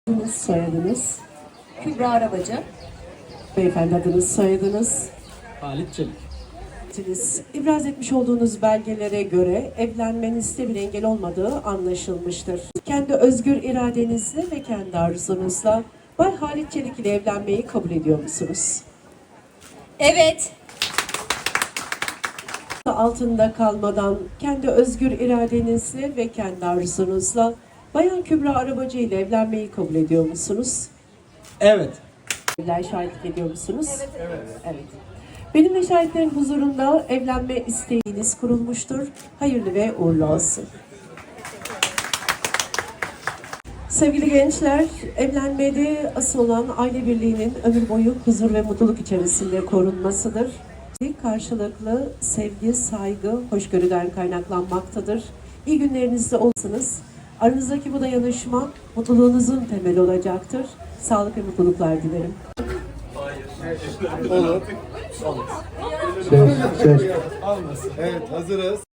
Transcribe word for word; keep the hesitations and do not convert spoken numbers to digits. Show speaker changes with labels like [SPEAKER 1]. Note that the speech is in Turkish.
[SPEAKER 1] Adınız, soyadınız.
[SPEAKER 2] Kübra Arabacı.
[SPEAKER 1] Beyefendi adınız, soyadınız.
[SPEAKER 3] Halit Çelik.
[SPEAKER 1] Siz İbraz etmiş olduğunuz belgelere göre evlenmenizde bir engel olmadığı anlaşılmıştır. Kendi özgür iradenizle ve kendi arzunuzla Bay Halit Çelik ile evlenmeyi kabul ediyor musunuz?
[SPEAKER 2] Evet.
[SPEAKER 1] Altında kalmadan kendi özgür iradenizle ve kendi arzunuzla Bayan Kübra Arabacı ile evlenmeyi kabul ediyor musunuz?
[SPEAKER 3] Evet.
[SPEAKER 1] Evler şahitlik ediyor musunuz? Evet. Evet. Evet. Benim ve şahitlerin huzurunda evlenme isteğiniz kurulmuştur. Hayırlı ve uğurlu olsun. Sevgili gençler, evlenmede asıl olan aile birliğinin ömür boyu huzur ve mutluluk içerisinde korunmasıdır. Karşılıklı sevgi, saygı, hoşgörüden kaynaklanmaktadır. İyi günlerinizde olsanız, aranızdaki bu dayanışma mutluluğunuzun temeli olacaktır. Sağlık ve mutluluklar dilerim.
[SPEAKER 4] Olur. Olmaz. Söz, söz. Olmasın. Evet, hazırız.